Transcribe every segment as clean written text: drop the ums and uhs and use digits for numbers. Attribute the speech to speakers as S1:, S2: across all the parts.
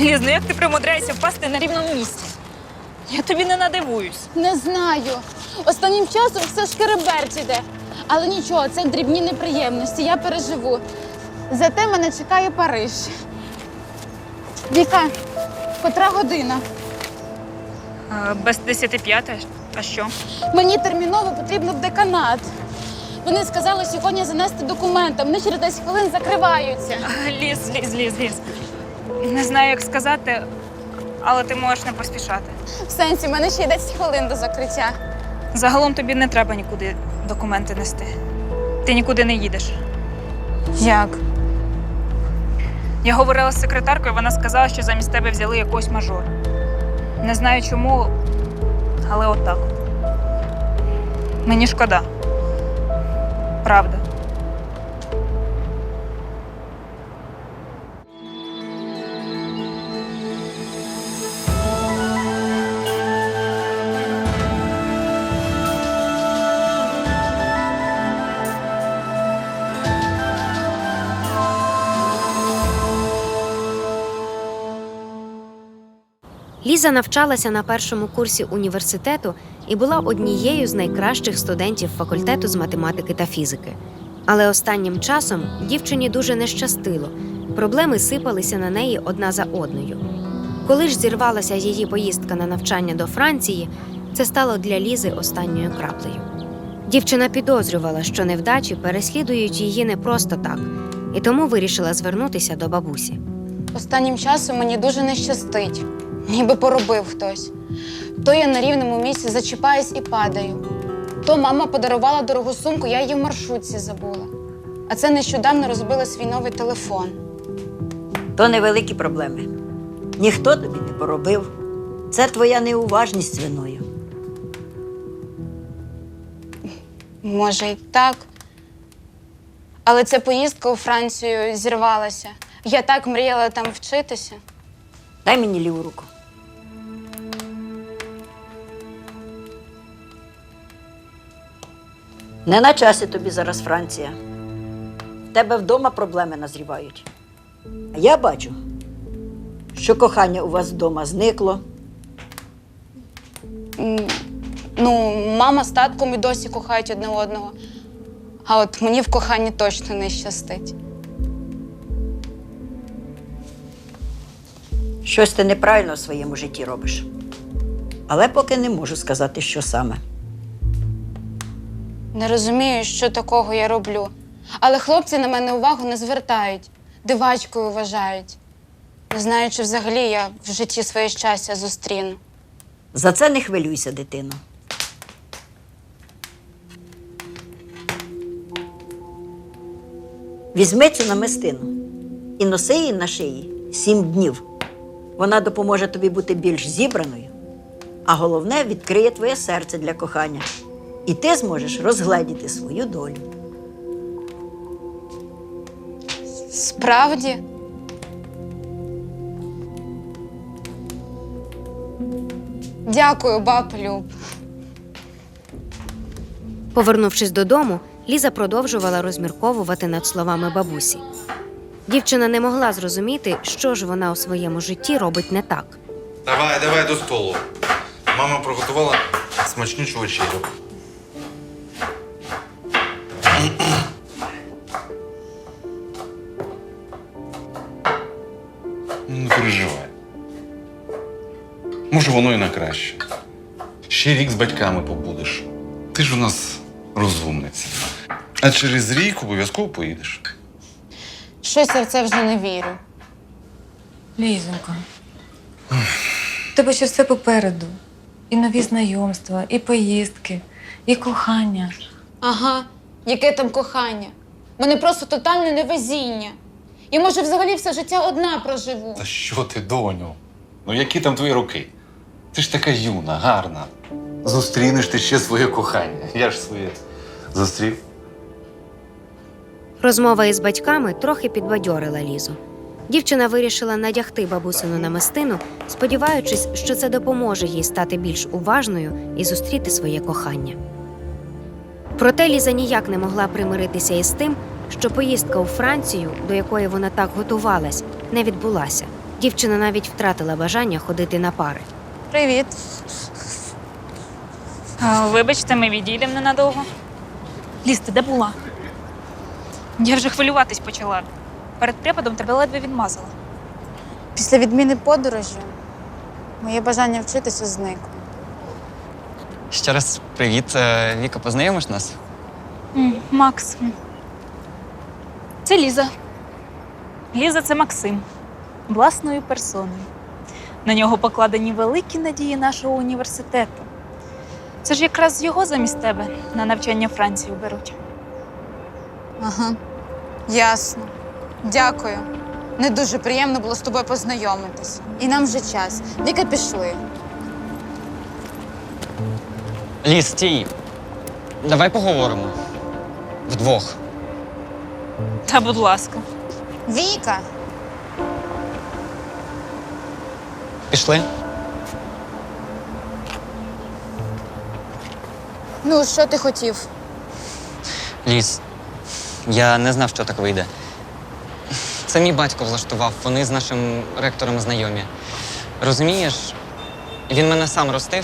S1: Ліз, ну як ти примудряєшся впасти на рівному місці? Я тобі не надивуюсь.
S2: Не знаю. Останнім часом все шкереберть іде. Але нічого, це дрібні неприємності, я переживу. Зате мене чекає Париж. Віка, котра година?
S1: Без 10:05. А що?
S2: Мені терміново потрібно в деканат. Вони сказали сьогодні занести документи, вони через 10 хвилин закриваються.
S1: Ліз. Не знаю, як сказати, але ти можеш не поспішати.
S2: В сенсі, в мене ще є 10 хвилин до закриття.
S1: Загалом тобі не треба нікуди документи нести. Ти нікуди не їдеш.
S2: Як?
S1: Я говорила з секретаркою, вона сказала, що замість тебе взяли якогось мажора. Не знаю чому, але отак. Мені шкода. Правда.
S3: Ліза навчалася на першому курсі університету і була однією з найкращих студентів факультету з математики та фізики. Але останнім часом дівчині дуже не щастило. Проблеми сипалися на неї одна за одною. Коли ж зірвалася її поїздка на навчання до Франції, це стало для Лізи останньою краплею. Дівчина підозрювала, що невдачі переслідують її не просто так, і тому вирішила звернутися до бабусі.
S2: Останнім часом мені дуже не щастить. Ніби поробив хтось. То я на рівному місці зачіпаюсь і падаю. То мама подарувала дорогу сумку, я її в маршрутці забула. А це нещодавно розбила свій новий телефон.
S4: То невеликі проблеми. Ніхто тобі не поробив. Це твоя неуважність виною.
S2: Може, й так. Але ця поїздка у Францію зірвалася. Я так мріяла там вчитися.
S4: Дай мені ліву руку. Не на часі тобі зараз Франція. В тебе вдома проблеми назрівають. А я бачу, що кохання у вас вдома зникло.
S2: Ну, мама з татком і досі кохають одне одного. А от мені в коханні точно не щастить.
S4: Щось ти неправильно в своєму житті робиш. Але поки не можу сказати, що саме.
S2: Не розумію, що такого я роблю. Але хлопці на мене увагу не звертають. Дивачкою вважають. Не знаю, чи взагалі я в житті своє щастя зустріну.
S4: За це не хвилюйся, дитино. Візьми цю намистину і носи її на шиї 7 днів. Вона допоможе тобі бути більш зібраною, а головне, відкриє твоє серце для кохання. І ти зможеш розгледіти свою долю.
S2: Справді? Дякую, баб Люб.
S3: Повернувшись додому, Ліза продовжувала розмірковувати над словами бабусі. Дівчина не могла зрозуміти, що ж вона у своєму житті робить не так.
S5: Давай до столу. Мама приготувала смачнючу вечерю. Не переживай. Може, воно і на краще. Ще рік з батьками побудеш. Ти ж у нас розумниця. А через рік обов'язково поїдеш.
S2: Щось я в це вже не вірю.
S6: Лізонько, у тебе ще все попереду. І нові знайомства, і поїздки, і кохання.
S2: Ага, яке там кохання. У мене просто тотальне невезіння. Я, може, взагалі все життя одна проживу.
S5: Та що ти, доню? Ну які там твої роки? Ти ж така юна, гарна. Зустрінеш ти ще своє кохання. Я ж своє зустрів.
S3: Розмова із батьками трохи підбадьорила Лізу. Дівчина вирішила надягти бабусину намистину, сподіваючись, що це допоможе їй стати більш уважною і зустріти своє кохання. Проте Ліза ніяк не могла примиритися із тим, що поїздка у Францію, до якої вона так готувалась, не відбулася. Дівчина навіть втратила бажання ходити на пари.
S2: Привіт.
S1: Вибачте, ми відійдемо ненадовго. Ліз, ти де була? Я вже хвилюватись почала. Перед препадом тебе ледве відмазала.
S2: Після відміни подорожі моє бажання вчитися зникло.
S7: Ще раз привіт. Віка, познайомиш нас?
S1: Макс. Це Ліза. Ліза – це Максим. Власною персоною. На нього покладені великі надії нашого університету. Це ж якраз його замість тебе на навчання в Францію беруть.
S2: Ага, ясно. Дякую. Не дуже приємно було з тобою познайомитись. І нам вже час. Віка, пішли.
S7: Ліз, стій. Давай поговоримо. Вдвох.
S1: Та, будь ласка.
S2: Віка!
S7: Пішли?
S2: Ну, що ти хотів?
S7: Ліз, я не знав, що так вийде. Це мій батько влаштував, вони з нашим ректором знайомі. Розумієш, він мене сам ростив.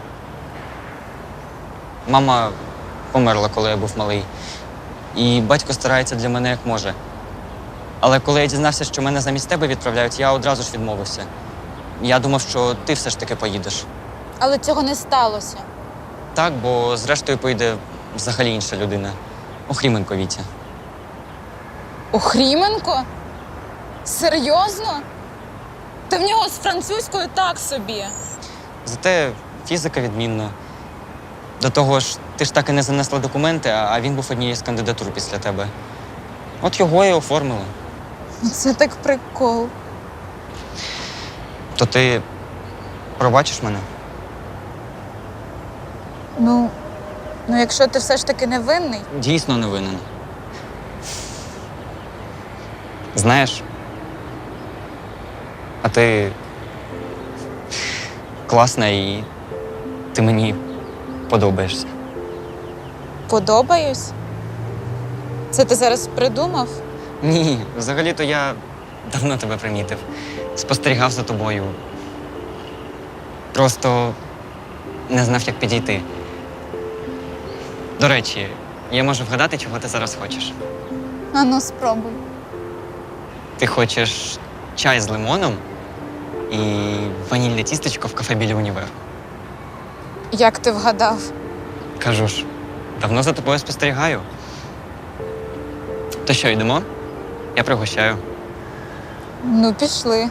S7: Мама померла, коли я був малий. І батько старається для мене як може. Але коли я дізнався, що мене замість тебе відправляють, я одразу ж відмовився. Я думав, що ти все ж таки поїдеш.
S2: Але цього не сталося.
S7: Так, бо зрештою поїде взагалі інша людина. Охріменко Вітя.
S2: Охріменко? Серйозно? Та в нього з французькою так собі.
S7: Зате фізика відмінна. До того ж, ти ж так і не занесла документи, а він був однією з кандидатур після тебе. От його і оформили.
S2: Це так прикол.
S7: То ти пробачиш мене?
S2: Ну, якщо ти все ж таки не винний.
S7: Дійсно не винен. Знаєш, а ти класна і ти мені подобаєшся.
S2: Подобаюсь? Це ти зараз придумав?
S7: Ні, взагалі-то я давно тебе примітив. Спостерігав за тобою. Просто не знав, як підійти. До речі, я можу вгадати, чого ти зараз хочеш.
S2: Ану, спробуй.
S7: Ти хочеш чай з лимоном і ванільне тістечко в кафе біля універу.
S2: Як ти вгадав?
S7: Кажу ж, давно за тобою спостерігаю. То що, йдемо? Я пригощаю.
S2: Ну, пішли.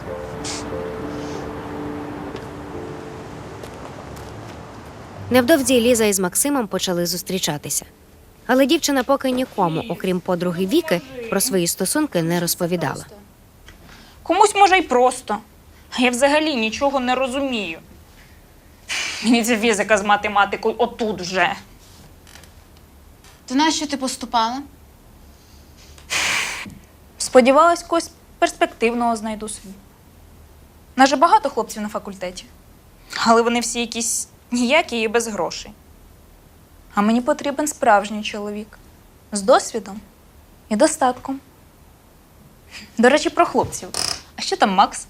S3: Невдовзі Ліза із Максимом почали зустрічатися. Але дівчина поки нікому, окрім подруги Віки, про свої стосунки не розповідала.
S1: Комусь може й просто. А я взагалі нічого не розумію. Мені ця фізика з математикою отут вже.
S2: То нащо ти поступала?
S1: Сподівалась, когось перспективного знайду собі. Нас же багато хлопців на факультеті. Але вони всі якісь ніякі і без грошей. А мені потрібен справжній чоловік. З досвідом і достатком. До речі, про хлопців. А що там Макс?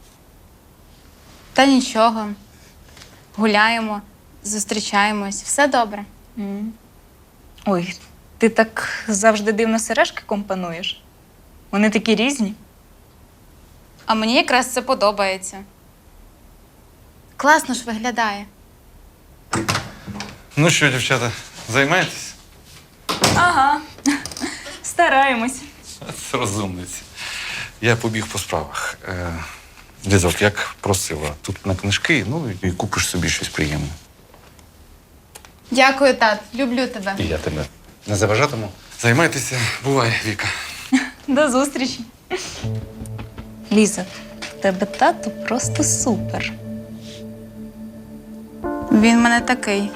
S2: Та нічого. Гуляємо, зустрічаємось. Все добре.
S1: Ой, ти так завжди дивно сережки компонуєш. Вони такі різні.
S2: А мені якраз це подобається. Класно ж виглядає.
S5: Ну що, дівчата, займаєтесь?
S1: Ага, стараємось.
S5: Розумниці. Я побіг по справах. Лізок, як просила, тут на книжки, ну і купиш собі щось приємне.
S2: Дякую, тат. Люблю тебе.
S5: І я тебе не заважатиму. Займайтеся, бувай, Віка.
S1: До зустрічі. Ліза, в тебе тато просто супер.
S2: Він в мене такий.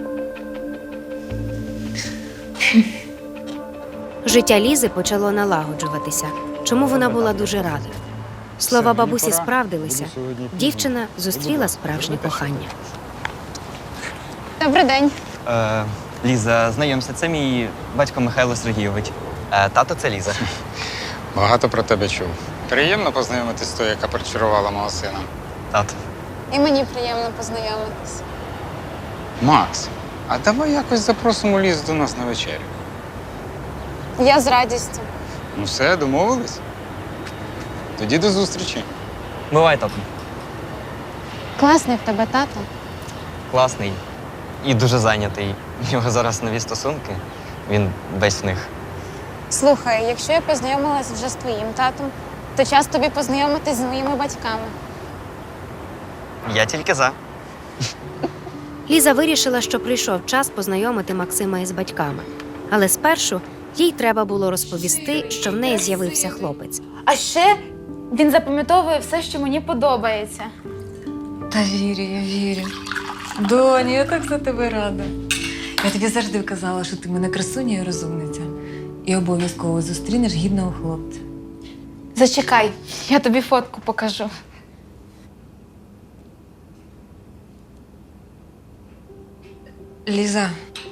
S3: Життя Лізи почало налагоджуватися, чому вона була дуже рада. Слова бабусі справдилися. Дівчина зустріла справжнє кохання.
S2: Добрий день.
S7: Ліза, знайомся, це мій батько Михайло Сергійович. Тато це Ліза.
S8: Багато про тебе чув. Приємно познайомитись з тою, яка причарувала мого сина.
S7: Тато.
S2: І мені приємно познайомитись.
S8: Макс, а давай якось запросимо Лізу до нас на вечерю.
S2: Я з радістю.
S8: Ну все, домовились? Тоді до зустрічі.
S7: Бувай, тато.
S2: Класний в тебе тато.
S7: Класний і дуже зайнятий. У нього зараз нові стосунки. Він весь в них.
S2: Слухай, якщо я познайомилась вже з твоїм татом, то час тобі познайомитись з моїми батьками.
S7: Я тільки за.
S3: Ліза вирішила, що прийшов час познайомити Максима із батьками. Але спершу їй треба було розповісти, що в неї з'явився хлопець.
S2: А ще він запам'ятовує все, що мені подобається.
S6: Та вірю, я вірю. Доню, я так за тебе рада. Я тобі завжди казала, що ти мене красуня і розумниця. І обов'язково зустрінеш гідного хлопця.
S2: Зачекай, я тобі фотку покажу.
S6: Ліза,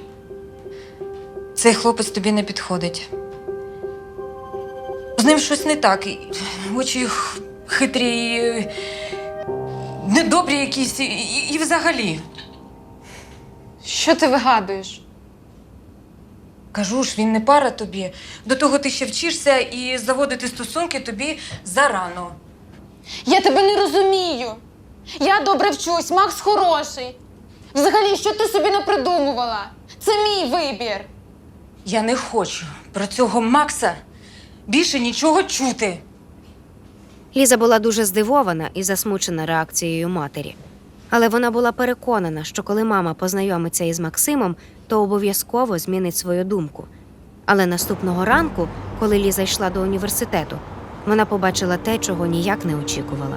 S6: цей хлопець тобі не підходить. З ним щось не так. Очі хитрі, недобрі якісь і взагалі.
S2: Що ти вигадуєш?
S6: Кажу ж, він не пара тобі. До того ти ще вчишся і заводити стосунки тобі зарано.
S2: Я тебе не розумію. Я добре вчусь, Макс хороший. Взагалі, що ти собі напридумувала? Це мій вибір.
S6: Я не хочу про цього Макса більше нічого чути.
S3: Ліза була дуже здивована і засмучена реакцією матері. Але вона була переконана, що коли мама познайомиться із Максимом, то обов'язково змінить свою думку. Але наступного ранку, коли Ліза йшла до університету, вона побачила те, чого ніяк не очікувала.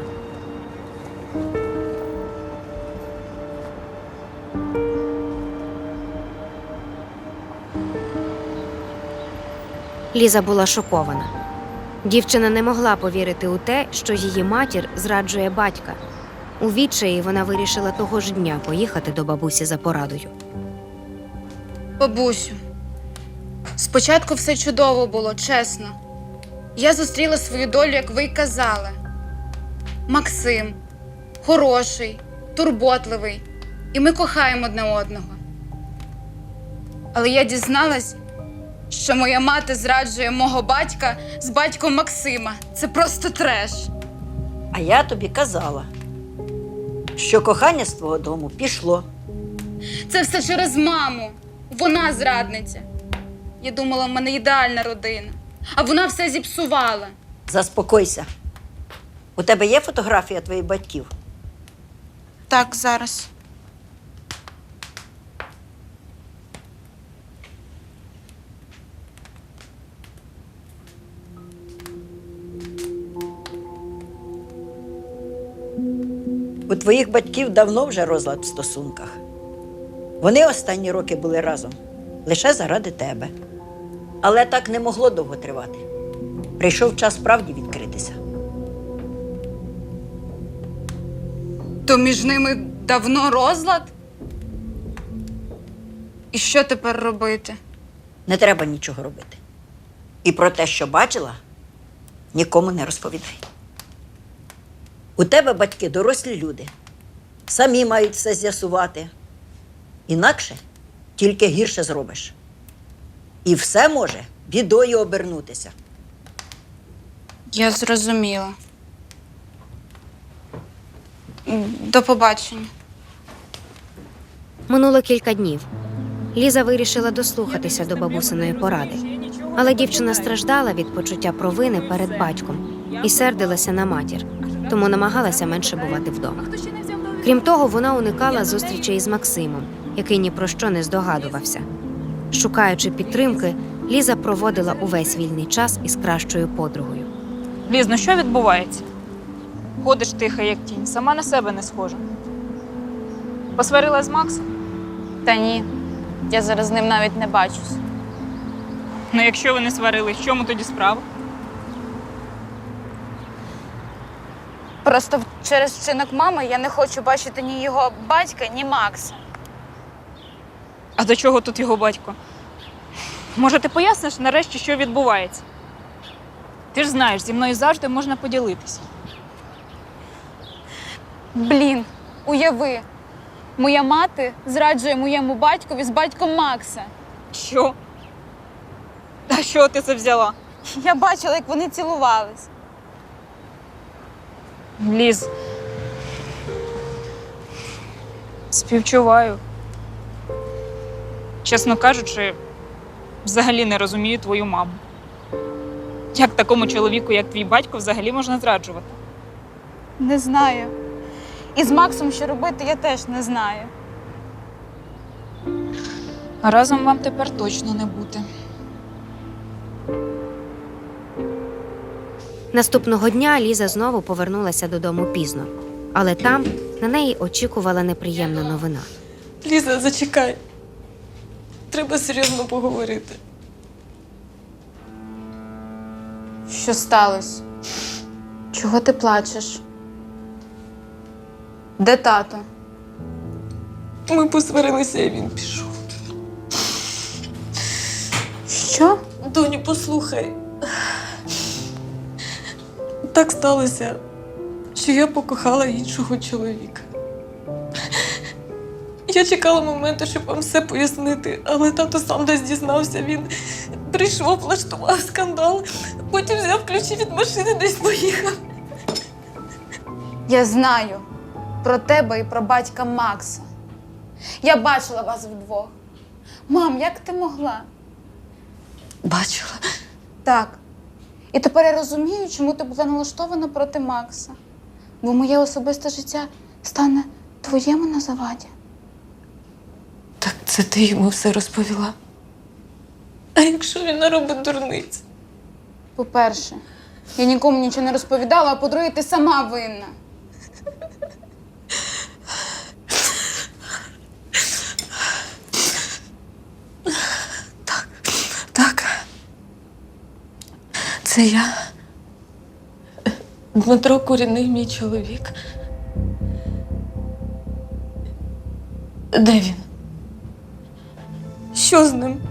S3: Ліза була шокована. Дівчина не могла повірити у те, що її матір зраджує батька. У відчаї вона вирішила того ж дня поїхати до бабусі за порадою.
S2: Бабусю, спочатку все чудово було, чесно. Я зустріла свою долю, як ви й казали. Максим хороший, турботливий, і ми кохаємо одне одного. Але я дізналась, що моя мати зраджує мого батька з батьком Максима. Це просто треш.
S4: А я тобі казала, що кохання з твого дому пішло.
S2: Це все через маму. Вона зрадниця. Я думала, в мене ідеальна родина. А вона все зіпсувала.
S4: Заспокойся. У тебе є фотографія твоїх батьків?
S2: Так, зараз.
S4: У твоїх батьків давно вже розлад в стосунках. Вони останні роки були разом лише заради тебе. Але так не могло довго тривати. Прийшов час правді відкритися.
S2: То між ними давно розлад? І що тепер робити?
S4: Не треба нічого робити. І про те, що бачила, нікому не розповідай. У тебе батьки дорослі люди. Самі мають все з'ясувати. Інакше тільки гірше зробиш. І все може бідою обернутися.
S2: Я зрозуміла. До побачення.
S3: Минуло кілька днів. Ліза вирішила дослухатися до бабусиної поради. Але дівчина страждала від почуття провини перед батьком і сердилася на матір, тому намагалася менше бувати вдома. Крім того, вона уникала зустрічей із Максимом, який ні про що не здогадувався. Шукаючи підтримки, Ліза проводила увесь вільний час із кращою подругою.
S1: Ліз, ну що відбувається? Ходиш тихо, як тінь, сама на себе не схожа. Посварила з Максом?
S2: Та ні, я зараз з ним навіть не бачусь.
S1: Ну, якщо ви не сварились, в чому тоді справа?
S2: Просто через вчинок мами я не хочу бачити ні його батька, ні Макса.
S1: А до чого тут його батько? Може, ти поясниш нарешті, що відбувається? Ти ж знаєш, зі мною завжди можна поділитися.
S2: Блін, уяви, моя мати зраджує моєму батькові з батьком Макса.
S1: Що? А що ти це взяла?
S2: Я бачила, як вони цілувались.
S1: Ліз. Співчуваю. Чесно кажучи, взагалі не розумію твою маму. Як такому чоловіку, як твій батько, взагалі можна зраджувати?
S2: Не знаю. І з Максом що робити, я теж не знаю.
S1: А разом вам тепер точно не бути.
S3: Наступного дня Ліза знову повернулася додому пізно, але там на неї очікувала неприємна новина.
S6: Ліза, зачекай. Треба серйозно поговорити.
S2: Що сталося? Чого ти плачеш? Де тато?
S6: Ми посварилися, і він пішов.
S2: Що?
S6: Доню, послухай. Так сталося, що я покохала іншого чоловіка. Я чекала моменту, щоб вам все пояснити, але тато сам десь дізнався. Він прийшов, влаштував скандал, потім взяв ключі від машини, десь поїхав.
S2: Я знаю про тебе і про батька Макса. Я бачила вас вдвох. Мам, як ти могла?
S6: Бачила.
S2: Так. І тепер я розумію, чому ти була налаштована проти Макса. Бо моє особисте життя стане твоєму на заваді.
S6: Так це ти йому все розповіла? А якщо він наробить дурниць?
S2: По-перше, я нікому нічого не розповідала, а по-друге, ти сама винна.
S6: Так. Це я. Дмитро Куріний, мій чоловік. Де він? Що з ним?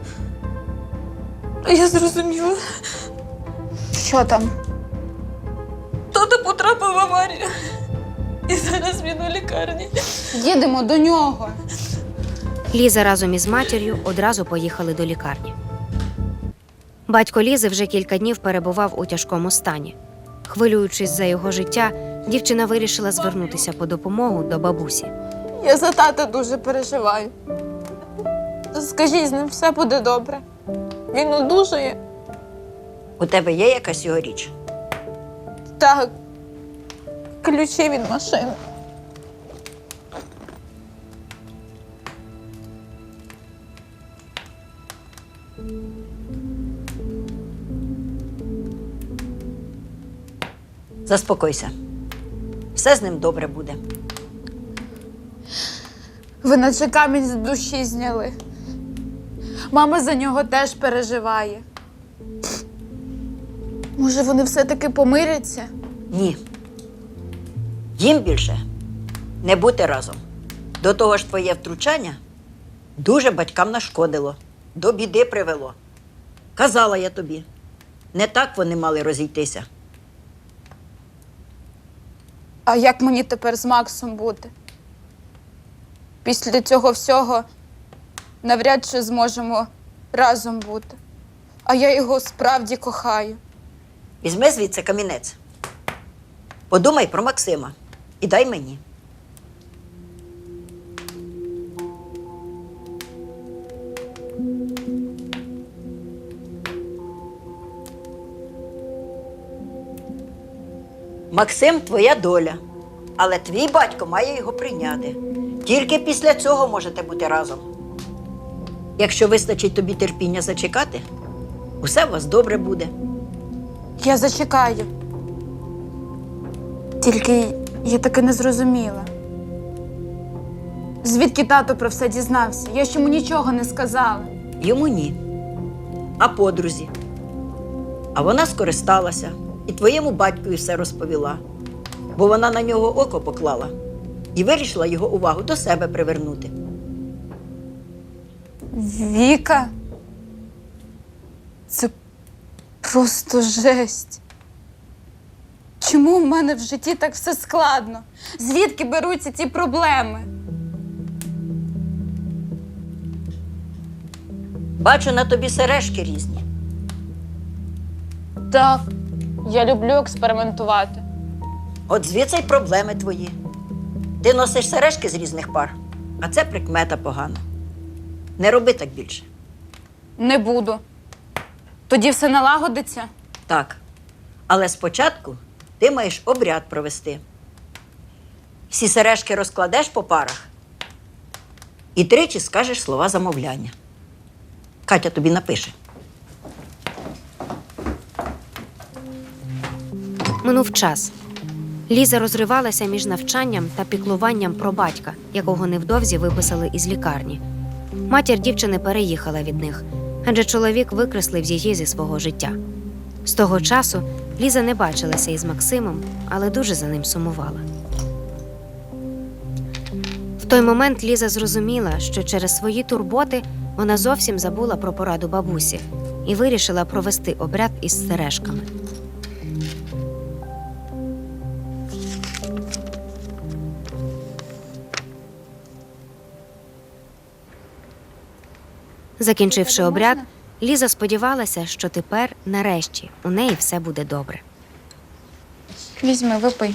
S6: Я зрозуміла.
S2: Що там?
S6: Тато потрапив в аварію. І зараз він у лікарні.
S2: Їдемо до нього.
S3: Ліза разом із матір'ю одразу поїхали до лікарні. Батько Лізи вже кілька днів перебував у тяжкому стані. Хвилюючись за його життя, дівчина вирішила звернутися по допомогу до бабусі.
S2: Я за тата дуже переживаю. Скажіть, з ним все буде добре. Він одужає.
S4: У тебе є якась його річ?
S2: Так. Ключі від машини.
S4: Заспокойся. Все з ним добре буде.
S2: Ви наче камінь з душі зняли. Мама за нього теж переживає. Може, вони все-таки помиряться?
S4: Ні. Їм більше не бути разом. До того ж, твоє втручання дуже батькам нашкодило, до біди привело. Казала я тобі, не так вони мали розійтися.
S2: А як мені тепер з Максом бути? Після цього всього навряд чи зможемо разом бути. А я його справді кохаю.
S4: Візьми звідси камінець. Подумай про Максима і дай мені. Максим – твоя доля, але твій батько має його прийняти. Тільки після цього можете бути разом. Якщо вистачить тобі терпіння зачекати, усе у вас добре буде.
S2: Я зачекаю. Тільки я таки не зрозуміла. Звідки тато про все дізнався? Я ж йому нічого не сказала.
S4: Йому ні, а подрузі. А вона скористалася і твоєму батькові все розповіла, бо вона на нього око поклала і вирішила його увагу до себе привернути.
S2: Віка? Це просто жесть. Чому в мене в житті так все складно? Звідки беруться ці проблеми?
S4: Бачу на тобі сережки різні.
S2: Так, я люблю експериментувати.
S4: От звідси й проблеми твої. Ти носиш сережки з різних пар, а це прикмета погана. Не роби так більше.
S2: Не буду. Тоді все налагодиться.
S4: Так. Але спочатку ти маєш обряд провести. Всі сережки розкладеш по парах і 3 скажеш слова замовляння. Катя тобі напише.
S3: Минув час. Ліза розривалася між навчанням та піклуванням про батька, якого невдовзі виписали із лікарні. Матір дівчини переїхала від них, адже чоловік викреслив її зі свого життя. З того часу Ліза не бачилася із Максимом, але дуже за ним сумувала. В той момент Ліза зрозуміла, що через свої турботи вона зовсім забула про пораду бабусі і вирішила провести обряд із сережками. Закінчивши обряд, Ліза сподівалася, що тепер, нарешті, у неї все буде добре.
S2: Візьми, випий.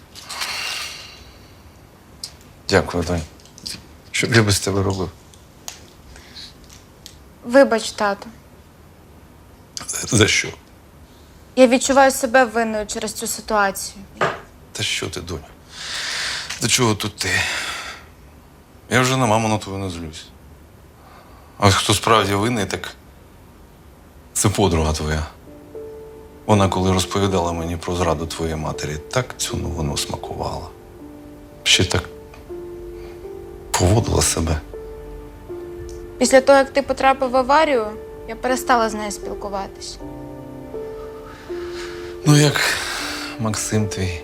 S5: Дякую, донь. Що б я без тебе робив?
S2: Вибач, тато.
S5: За що?
S2: Я відчуваю себе винною через цю ситуацію.
S5: Та що ти, доню? До чого тут ти? Я вже на маму на твою не злюсь. А ось хто справді винний, так це подруга твоя. Вона, коли розповідала мені про зраду твоєї матері, так цю новину смакувала. Ще так поводила себе.
S2: Після того, як ти потрапив в аварію, я перестала з нею спілкуватись.
S5: Ну, як Максим твій.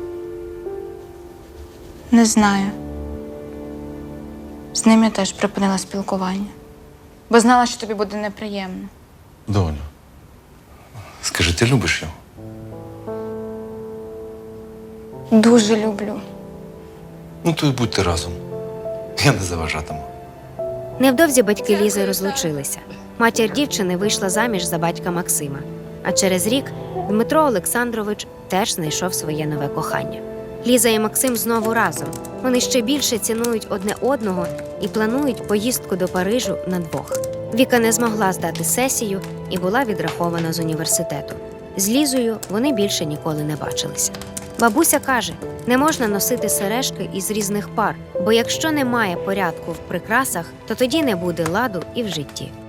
S2: Не знаю. З ним я теж припинила спілкування. Бо знала, що тобі буде неприємно.
S5: Доню, скажи, ти любиш його?
S2: Дуже люблю.
S5: Ну, то й будьте разом. Я не заважатиму.
S3: Невдовзі батьки Лізи розлучилися. Матір дівчини вийшла заміж за батька Максима. А через рік Дмитро Олександрович теж знайшов своє нове кохання. Ліза і Максим знову разом. Вони ще більше цінують одне одного і планують поїздку до Парижу на двох. Віка не змогла здати сесію і була відрахована з університету. З Лізою вони більше ніколи не бачилися. Бабуся каже, не можна носити сережки із різних пар, бо якщо немає порядку в прикрасах, то тоді не буде ладу і в житті.